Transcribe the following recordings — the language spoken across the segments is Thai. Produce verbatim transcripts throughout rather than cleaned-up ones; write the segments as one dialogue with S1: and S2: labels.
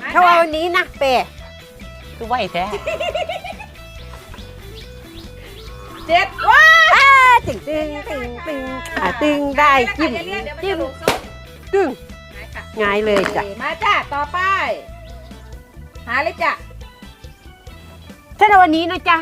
S1: ถ้าว่าวันนี้นะเปย์
S2: คือไหวแท้
S3: เจ็ดว้า
S1: ตึงตึงตึงตึงอ่ะตึงได้จิ้มจิ้มตึงง่ายเลยจ้ะ
S3: มาจ้ะต่อไปหาเลยจ้ะ
S1: ถ้าว่าวันนี้นะจ๊ะ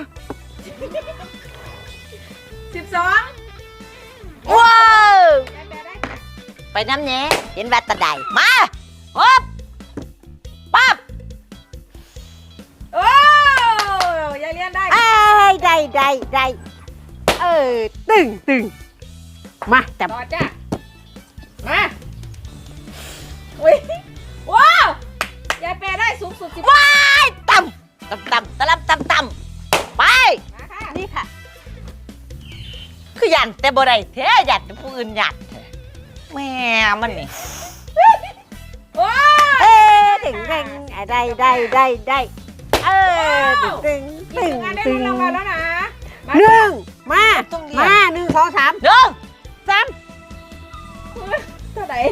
S3: สิบสอง
S2: ว้าว
S3: แปดได้
S2: ไปน้ำแหน่เห็นแบตตะไดมาฮึบปั๊บ
S3: โอ้ยายเลียนได้
S1: ไอ้ได้ได้ได้เออตึงตึงมาจับ
S3: ต่อจ้ะมาอุ้ยว้าวยายแปรได้สูงสุดสิบ
S2: ว้ายต่ำต่ำต่ำตะลับต่ำต่ำไป
S3: มาค่ะ
S1: นี่ค่ะ
S2: คือหยันแต่บ่ได้แท้หยันแต่ผู้อื่นหยันแท้แม่มันนี่
S3: โอ้
S1: เอ้ตึงตึงอ่ะได้ได้ได้ได้เออตึงตึง
S3: ยิ
S1: ตึ
S3: ง
S1: ง
S3: งานได้
S1: ตึ
S3: ลุ้
S1: ง
S3: นรางวัลแล้วนะมา
S1: หนึ่งมา
S2: ต้องเรียน
S1: มาหนึ่งสองสาม
S2: หนึ่ง
S1: สาม
S3: เท่าไหร่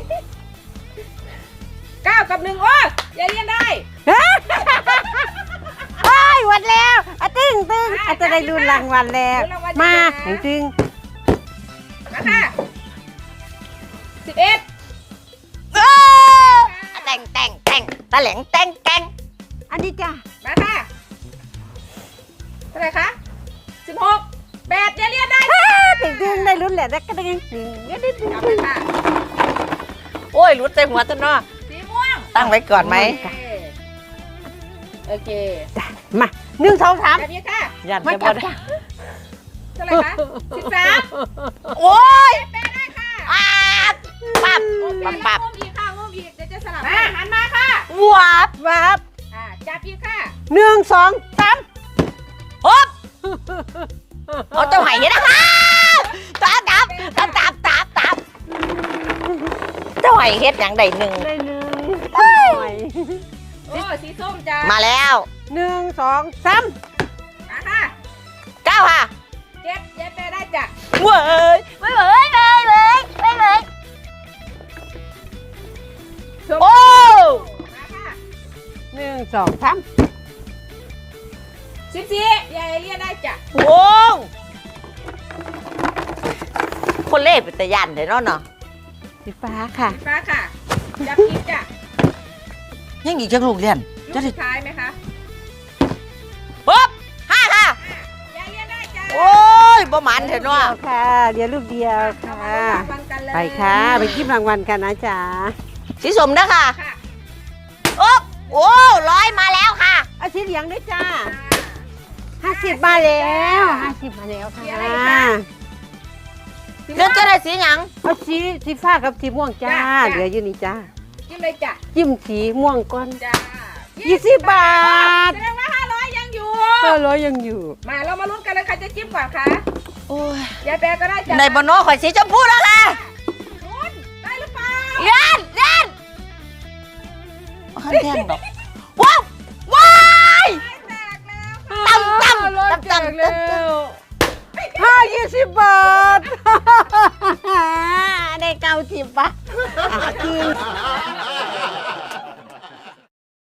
S3: เก้ากับหนึ่งโอ้ยยายเลียนได้
S1: โอ้ยวันแล้วอ่ะตึงตึงอ่ะจะได้รุ่นรางวัลแล้วมาตึงตึง
S3: มาค่ะสิบเอ็ด
S2: เออแต่งแต่งแต่งตะแหลงแต่งแต่ง
S1: อันนี้จ้ะ
S3: มาค่ะเท่าไหร่คะสิบหกแปดยายเลียนได้
S1: ตึงตึงได้รุ่นแหละได้ก็ตึงตึงก็ได้ตึง
S3: กลับ
S1: ตึ
S3: ไป
S1: ง
S3: ค่ะ
S2: โอ้ยรุดใจหัวต้นเนาะ
S3: สีม่วง
S2: ตั้งไว้ก่อนไหม
S3: โอเค
S1: มาหนึ่งสองสาม
S3: แบบนี้ค่ะ
S2: หยัน
S1: มา
S2: แต่
S1: จั
S2: บ่
S1: บ
S2: ได้
S1: จ้ะ
S3: เท่าไหร่คะสิบสาม
S2: โอ้ย
S3: แปดได้ค่ะ
S2: อ่าปั๊บ
S3: โอเค
S2: ปั๊บ
S3: แล้ว
S2: ปั๊บ
S3: งุ้มอีกค่ะงุ้มอีกเดี๋ยวจะสลับมาหันมาค่ะ
S2: วับ
S1: วับ
S3: อ่าจับอีกค่ะ
S1: หนึ่งสองสาม
S2: ฮึบเอาเจ้าไห่เนี่ยนะคะตามตามตามตามตามตามเจ้าไห่เฮ็ดอย่างใดหนึ่ง
S1: ได้หนึ่ง
S3: โอ้สีส้มจ้า
S2: มาแล้ว
S1: หนึ่งสองสาม
S3: มาค่ะ
S2: เก้าค่ะ
S3: เจ็ดเจ็ดไปได้จ้ะ
S2: เว้ยเว้ยเว้ยเว้ยเว้ยเว้ยเว้ย
S3: ชม
S2: โอ้
S3: มาค่ะ
S1: หนึ่งสองสาม
S3: สิบสี่ยายเลียนได้จ้ะ
S2: วงคนเล่เป็นตะยันเดี๋ยวเนาะ
S1: สีฟ้าค่ะ
S3: สีฟ้าค่ะจับอีกจ้ะ
S2: ยังอีกจังลูกเรียน
S3: ลูกสุดท้ายไหมคะ
S2: ปุ๊บห้าค่ะ
S3: ยายเลียนได้จ้ะ
S2: โอ้ยบ่หมันเถอะเนาะ
S1: เดียวค่ะเดี๋ยวลูกเดียว
S3: เอา
S1: ค่ะ
S3: มาลุ้นรางวัลกันเลย
S1: ไปค่ะไปกินรางวัลกันนะจ๊ะ
S2: สีสมนะค่ะ
S3: ค่ะ
S2: โอ้โอ้ร้อยมาแล้วค่ะ
S1: เอาสีเหลืองด้วยจ้าห้าสิบมาแล้วห้าสิบมาแล้วค่ะ
S2: เดี๋ยวจะได้สีหยัง
S1: เอาสีสีฟ้ากับสีม่วงจ้าเหลืออยู่นี่จ้า
S3: จิ้มเลยจ้ะ
S1: จิ้มสีม่วงก่อน
S3: จ้า
S1: ยี่สิบบาท
S3: แสดงว่าห้าร้อยยังอยู่
S1: ก็ร้อยยังอยู่
S3: มาเรามาลุ้นกันเลยใครจะจิ้มก่อนคะ
S2: โอ้ย
S3: ยายแปรก็ได้จ้ะ
S2: ในบนโน้ข่อยสีชมพูแล้วค่ะ
S3: ลุ้นได้หรือเปล่า
S2: เรียนเรียนขันแท่งดอกว้าวว้าย
S3: แตกแล้วค่ะ
S2: ต่ำต่ำต่ำต่ำต่ำ
S1: ห้ายี่สิบบาท ได้เก้าสิบบาทอ่ะกิน